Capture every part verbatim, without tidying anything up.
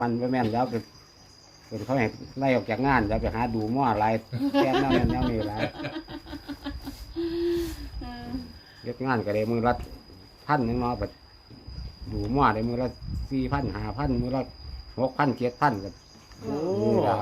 มันไปแม่นแล้วก็เป็นเขาให้ไล่ออกจากงานแล้วไปหาดูหม้ออะไรแก้แนวนั้นแนวนี้หลายเฮ็ดงานก็ได้มือละพันหนึงเนาะบัดดูหม้อได้มือละสี่พันห้าพันมือละหกพันเจ็ดพันก็โอ้ล่ะ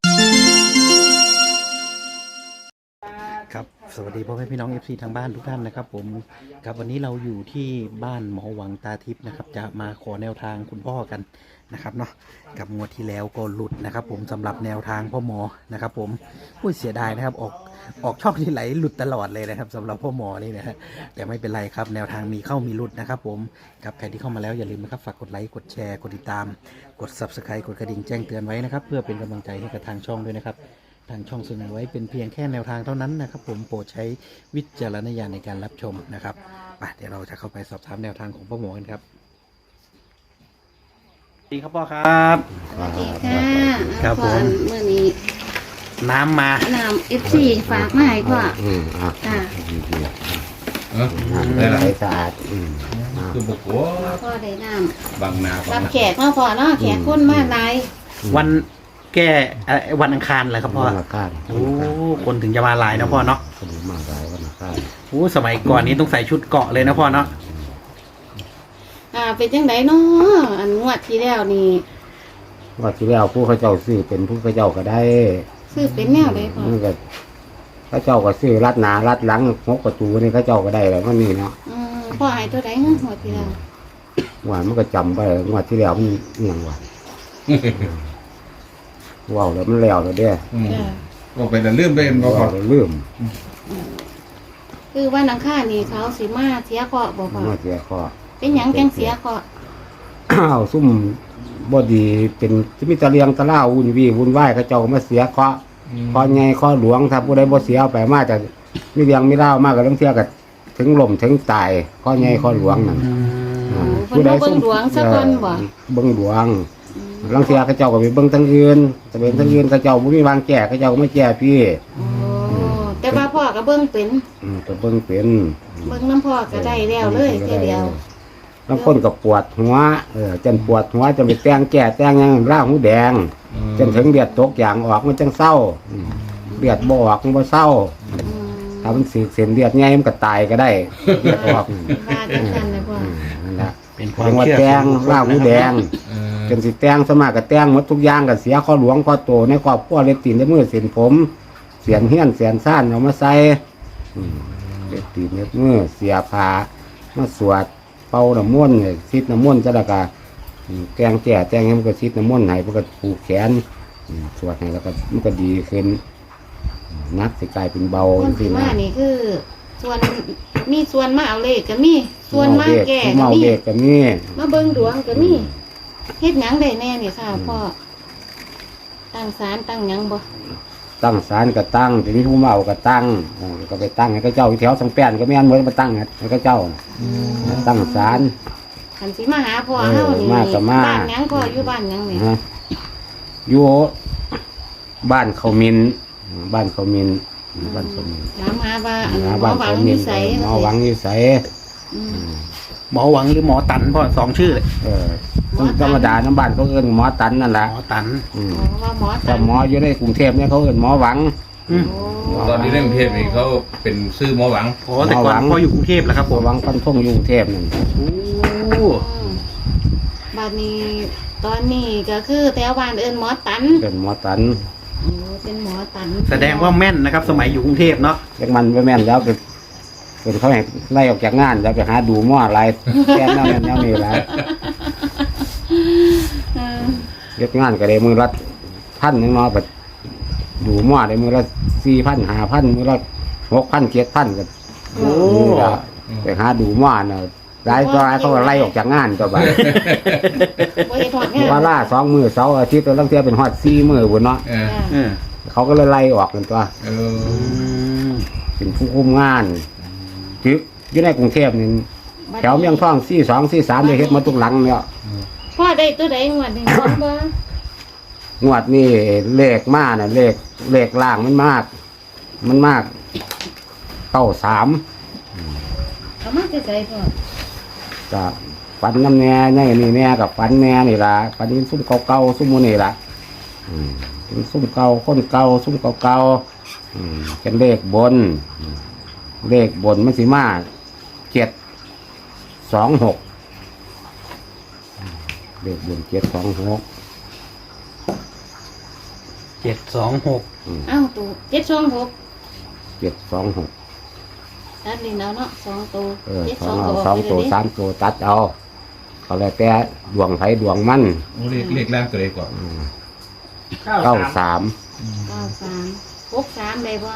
ครับสวัสดีพ่อแม่พี่น้อง เอฟ ซี ทางบ้านทุกท่านนะครับผมครับวันนี้เราอยู่ที่บ้านหมอหวังตาทิพย์นะครับจะมาขอแนวทางคุณพ่อกันนะครับเนาะกับงวดที่แล้วก็หลุดนะครับผมสำหรับแนวทางพ่อหมอนะครับผมอุ้ยเสียดายนะครับออกออกช่องที่ไหลหลุดตลอดเลยนะครับสำหรับพ่อหมอนี่นะฮะแต่ไม่เป็นไรครับแนวทางมีเข้ามีหลุดนะครับผมครับใครที่เข้ามาแล้วอย่าลืมนะครับฝากกดไลค์กดแชร์กดติดตามกด ซับสไครบ์ กดกระดิ่งแจ้งเตือนไว้นะครับเพื่อเป็นกำลังใจให้กับทางช่องด้วยนะครับทางช่องเสนอไว้เป็นเพียงแค่แนวทางเท่านั้นนะครับผมโปรดใช้วิจารณญาณในการรับชมนะครับไปเดี๋ยวเราจะเข้าไปสอบถามแนวทางของพ่อหมอกันครับสวัสดีครับพ่อครับสวัสดีค่ะครับผมเมื่อนี้น้ำมาน้ำเอฟซีฝากมาให้พ่ออืมอ่ะค่ะดีๆเออน้ำได้ละใสสะอาดอืมอ่ะคือบุกหัวพ่อได้น้บางนาำบารังบนาแขกเนาะพ่อเนาะแขกคนมาหลายวันแก้เอ่อวันอังคารเหรอครับพ่อวันละข้างโอ้คนถึงจะมาหลายนะพ่อเนาะคนมาหลายวันละข้างโอ้สมัยก่อนนี้ต้องใส่ชุดเกาะเลยนะพ่อเนาะอ่าเป็นจังไดเนาะอันงวดที่แล้วนี่ว่าที่แล้วผู้เขาเจ้าซื้อเป็นผู้เขาเจ้าก็ได้ซื้อเป็นแนวใดพ่อมันก็เขาเจ้าก็ซื้อรัดหนารัดหลังหกประตูนี่เขาเจ้าก็ได้แล้วมันนี่เนาะอืมพ่อให้ตัวใดเนาะงวดที่แล้วว่ามันก็จำไปงวดที่แล้วมันเอียงว่ะว้าวแล้วมันแล้วแล้วเด้ออืมจ้ะก็ไปแต่ลืมไปเองก็พอว้าวแล้วลืมคือวันอังคารนี่เขาสิมาเสียเคราะห์บ่พ่อมาเสียข้อเป็นหยังจังเสียเคราะห์อ้าวซุ่มบดีเป็นที่มีตะเลียงตะเล่าวุ่นวี่วุ่นวายเขาเจ้าก็มาเสียเคราะห์เคราะห์ใหญ่เคราะห์หลวงถ้าผู้ใดบ่เสียเอาไปมาแต่มีเลียงมีเล่ามากก็ต้องเสียกับถึงล่มถึงตายเคราะห์ใหญ่เคราะห์หลวงนั่นโอ้เพิ่นมาเบิ่งหลวงซะก่อนบ่เบิ่งหลวงลังเสียเขาเจ้าก็ไปเบิ่งทางอื่นแต่เป็นทางอื่นเขาเจ้าบ่มีวางแก้เขาเจ้าก็ไม่แก้พี่โอ้แต่ว่าพ่อก็เบิ่งเป็นอืมก็เบิ่งเป็นเบิ่งน้ำพ่อก็ได้แล้วเลยแค่เดียวบางคนก็ปวดหัวเออจนปวดหัวจะไปแต่งแก้แต่งหยังร่าหูแดงจนถึงเลือดตกอย่างออกมันจังเศร้าอืมเลือดบ่ออกมันบ่เศร้าอืมถ้ามันสีเส้นเลือดใหญ่มันก็ตายก็ได้เลือดออกอืมว่าจังซั่นนะพ่อนั่นแหละเป็นความถึงว่าเชื่อแต่งร่าหูแดงเออจนสิแต่งสวนมากก็แต่งหมดทุกอย่างก็เสียข้อหลวงข้อโตในครอบครัวเล็บตีนเล็บมือเส้นผม เสียนเฮี้ยนเสียนซ่านเอามาใส่อืมเล็บตีนเล็บมือเสียผ้ามาสวดเป่าน้ำมนต์เนี่ยซิดน้ำมนต์จะละกาแกงแก่แจงให้มันก็ซิดน้ำมนต์ให้มันก็ผูกแขนอืมสวดให้แล้วก็มันก็ดีขึ้นนักสิกลายเป็นเบาคนสิที่นะมานี่คือ ส่วนมีส่วนมาเอาเลขก็มีส่วนมาแก่ก็เมามีเด็กก็มีมาเบิ่งดวงก็มีเฮ็ดหยังได้แน่นี่ค่ะพ่อตั้งศาลตั้งหยังบ่ตั้งศาลก็ตั้งทีนี้ผู้เมาก็ตั้งอ่าก็ไปตั้งให้เขาเจ้าอยู่แถวสังแป้นก็ไม่อันเหมือนมาตั้งให้เขาเจ้าตั้งศาลคันสิมาหาพ่อเออเฮานี่มาก็มาบ้านหยังพ่ออยู่บ้านหยังนี่ฮะอยู่บ้านเขามินบ้านเขามินบ้านเขามินถามหาว่าอันหมหาอบ้านหวัเขางมินินสัยหมอหวังอยู่ใสอืมหมอหวังหรือหมอตันพ่อสองชื่อเลยเออต้องธรรมดาน้ำบ้านเขาเอิ้นหมอตันนั่นแหละหมอตันอืมอ๋อว่าหมอแต่ตันหมออยู่ในกรุงเทพเนี่ยเขาเอิ้นหมอหวังอืมโอ้ตอนนี้เรื่องเทพนี่เขาเป็นซื้อหมอหวังโอ้แต่ก่อนพ่ออยู่กรุงเทพแล้วครับหผม มอหวังปันท่งอยู่กรุงเทพนั่นโอ้อืมบัดนี้ตอนนี้ก็คือแถวบ้านเอิ้นหมอตันเป็นหมอตันโอ้เป็นหมอตันแสดงว่าแม่นนะครับ สมัยอยู่กรุงเทพเนาะเล็กมันไปแม่นแล้วเป็นเป็นเขาให้ไล่ออกจากงานแล้วไปหาดูหม้ออะไรแก้แนวนั้นแนวนี้หลายเออเฮ็ดงานก็ได้มือละพันหนึงเนาะบัดดูหม้อได้มือละสี่พันห้าพันมือละหกพันเจ็ดพันก็โอ้ไปหาดูหม้อน่ะหลายก็หลายเขาก็ไล่ออกจากงานตัวบัดบ่ได้ถอดงานว่าล่าสองมือเสาร์อาทิตย์ตัวลังเทียเป็นฮอดสี่มือพุ่นเนาะเออจ้ะเออเขาก็เลยไล่ออกกันตัวเออือมเป็นผู้คุมงานจึกอยู่ในกรุงเทพนี่แถวเมียงทองสี่สองสี่สามได้เฮ็ดมาทุกหลังเนี่ยพ่อได้ตัวใดงวดนี้บ่งวดนี่เลขมาน่ะเลขเลขล่างมันมาก มันมากเก้าสามเอามาใส่ๆพ่อจะฝันน้ำแน่นี่นี่แน่กับฝันแน่นี่ละฝันนี้ซุ่มเก่าๆซุ่มโมนี่ละอืมเป็นซุ่มเก่าคนเก่าซุ่มเก่าๆอืมเป็นเลขบนอืมเลขบนมันสิมาเจ็ดสองหกเลขบนเจ็ดสองหกเจ็ดสองหกเอ้าตัวเจ็ดสองหกเจ็ดสองหกตัดนี่แล้วเนาะสองตัวเออเจ็ดสสออง งเอาตัวสองตัวสามตัวตัดเอาเขาเลยแต่ดวงไผ่ดวงมันโอ้เลขเลขแรกตัวเลขก่อนเก้าสามเก้าสามหกสามได้บ่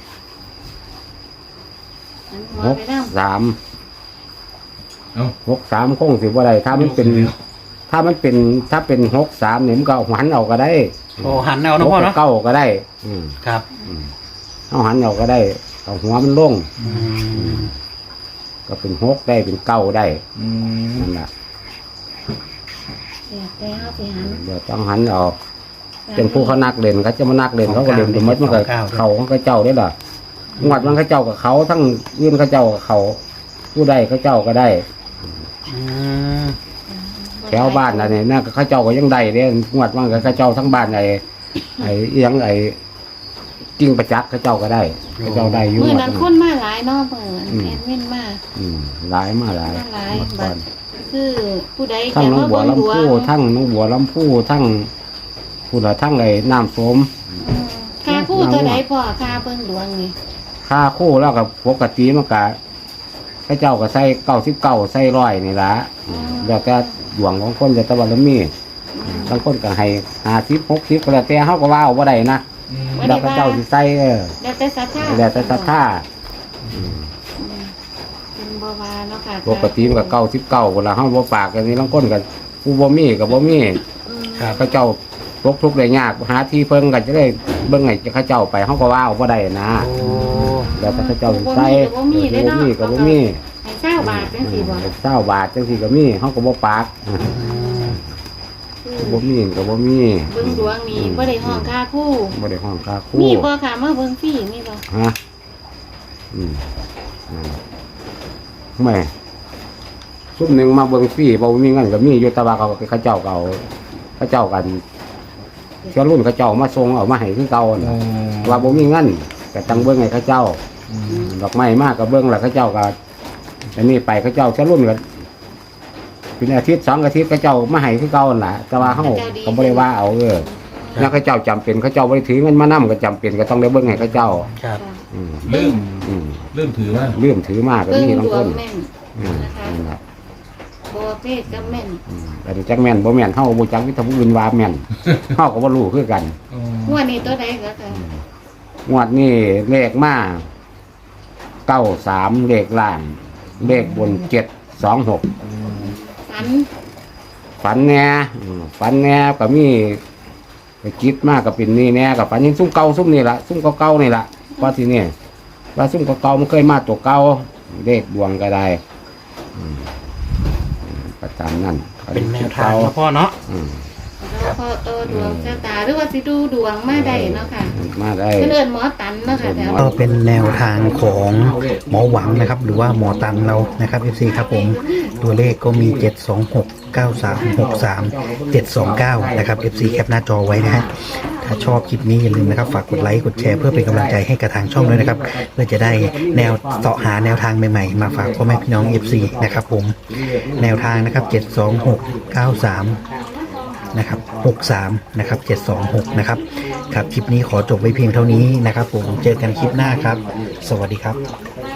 อันหัวหกไปแล้วสามเอ้าหกสามคงสิบ่ได้ถ้ามันเป็น ถ้ามันเป็นถ้าเป็นหกสามเนี่ยมันก็เอาหันเอาก็ได้โอ้หันเอาหนะกพ่อกับเนาะเก้าก็ได้ อืมครับอืมเอาหันเอาก็ได้เอาหัวมันลงอืมก็เป็นหกได้เป็นเก้าได้อืมนั่นแหละเดี๋ยวแต่เอาไปหันเดี๋ยวต้องหันเอาเป็นผู้เขานักเล่นเขาจะมานักเล่นเขาก็เล่นไปหมดมันก็เขาของเขาเจ้าได้หรองวดมันเขาเจ้ากับเขาทั้งยื่นเขาเจ้ากับเขาผู้ใดเขาเจ้าก็ได้อืมแถวบ้านอะไรเนี่ยน่าเขาเจ้าก็ยังได้เนี่ยงวดมันก็เขาเจ้าทั้งบ้านไอ้ไอ้อิหยังไอ้กิ้งประจักษ์เขาเจ้าก็ได้เขาเจ้าได้อยู่เมื่อหมดนั้นคนมาหลายเนาะเปิดอืมแอดมินมาอืมหลายมาหลายมาหลายหมดก่อนคือผู้ใดทั้งจะน้องมาบัวเบิ่งดวลำพูงทั้งน้องบัวลำพูทั้งผู้ละทั้งไอ้น้ำโสมอืมค่าผู้เท่าใดพ่อค่าเบิ่งดวงนี่ค่าคู่แล้วกับปกติมันก็พระเจ้าก็ใส่เก้าสิบเก้าใส่ร้อยนี่ละแล้วแต่ดวงของคนแต่ตะวันละมีบางคนก็ให้ห้าสิบหกสิบก็แล้วแต่เขาก็ว่าเอาบ่ได้นะอืมแล้วพระเจ้าสิใส่เออแล้วแต่ศรัทธาแล้วแต่ศรัทธาอืมเป็นบ่ว่าเนาะค่ะปกติมันก็เก้าสิบเก้าเวลาเขาบ่ปากกันนี่บางคนก็ผู้บ่มีก็บ่มีอืมครับพระเจ้าตกทุกข์ได้ยากหาที่เพิ่งก็จะได้เบิ่งให้เขาเจ้าไปเขาก็ว่าเอาบ่ได้นะโอ้แล้วแต่พระเจ้าสิใส่บ่มีก็บ่มีเด้อเนาะบ่มีก็บ่มีให้เก้าบาทจังซี่บ่เศร้าบาทจังซี่ก็มีเขาก็บ่ปากอืมคือบ่มีก็บ่มีเบิ่งดวงนี่บ่ได้ห้องค่าคู่บ่ได้ห้องค่าครูมีบ่ค่ะมาเบิ่งฟรีมีบ่ฮะอืมอ่าไม่ซุ่มหนึงมาเบิ่งฟรีบ่มีเงินก็มีอยู่แต่ว่าเขาเขาเจ้าก็เอาเขาเจ้ากันเชื้อรุ่นเขาเจ้ามาส่งเอามาให้คือเก่าน่ะโอ้ว่าบ่มีเงินก็ต้องเบิ่งให้เขาเจ้าอืมดอกไม้มากก็เบิ่งแล้วเขาเจ้าก็อันนี้ไปเขาเจ้าเชื้อรุ่นก็เป็นอาทิตย์สองอาทิตย์เขาเจ้ามาให้คือเก่านั่นล่ะแต่ว่าเฮาก็บ่ได้ว่าเอาเออ แล้วเขาเจ้าจำเป็นเขาเจ้าบริถือเงินมานํก็จำเป็นก็ต้องได้เบิ่งให้เขาเจ้าครับอืมเริ่มอืมเริ่มถือว่าเลื่อมถือมากก็เบิ่งมีดบางวคงนแม่นอืมนะคะนั่นล่ะบ่เพศก็แม่นอืมแต่จักแม่นบ่แม่นเฮาบ่จักวิธีผู้อื่นว่าแม่น เฮาก็บ่รู้คือกันโอ้งวดนี้ตัวใดก็ค่ะงวดนี้เลขมาเก้าสามเลขล่าง เลขบนเจ็ดสองหกฝันฝันแหน่อืมฝันแหน่ก็มีไปคิดมากก็เป็นนี่แหน่ก็ฝันยังซุ่มเก่าซุ่มนี่ล่ะซุ่มเก่าๆนี่ล่ะว่าที่นี่ว่าซุ่มเก่าๆมันเคยมาตัวเก่าเลขดวงก็ได้อืมอืมประจำนั่นเป็นแนวทางนะพ่อเนาะอืมแล้วพอโตดวงชะตาหรือว่าสิดูดวงมาได้เนาะค่ะมาได้เพิ่นเอิ้นหมอตันเนาะค่ะแถวก็เป็นแนวทางของหมอหวังนะครับ หรือว่าหมอตันเรานะครับ เอฟ ซี ครับผมตัวเลขก็มี เจ็ด สอง หก เก้า สาม หก สาม เจ็ด สอง เก้า นะครับ เอฟ ซี แคปหน้าจอไว้นะฮะถ้าชอบคลิปนี้อย่าลืมนะครับฝากกดไลค์กดแชร์เพื่อเป็นกำลังใจให้กับทางช่องด้วยนะครับ เพื่อจะได้แนวเสาะหาแนวทางใหม่ๆมาฝากพ่อแม่พี่น้อง เอฟ ซี นะครับผมแนวทางนะครับ เจ็ด สอง หก เก้า สาม นะครับหกสามนะครับเจ็ดสองหกนะครับครับคลิปนี้ขอจบไว้เพียงเท่านี้นะครับผมเจอกันคลิปหน้าครับ สวัสดีครับ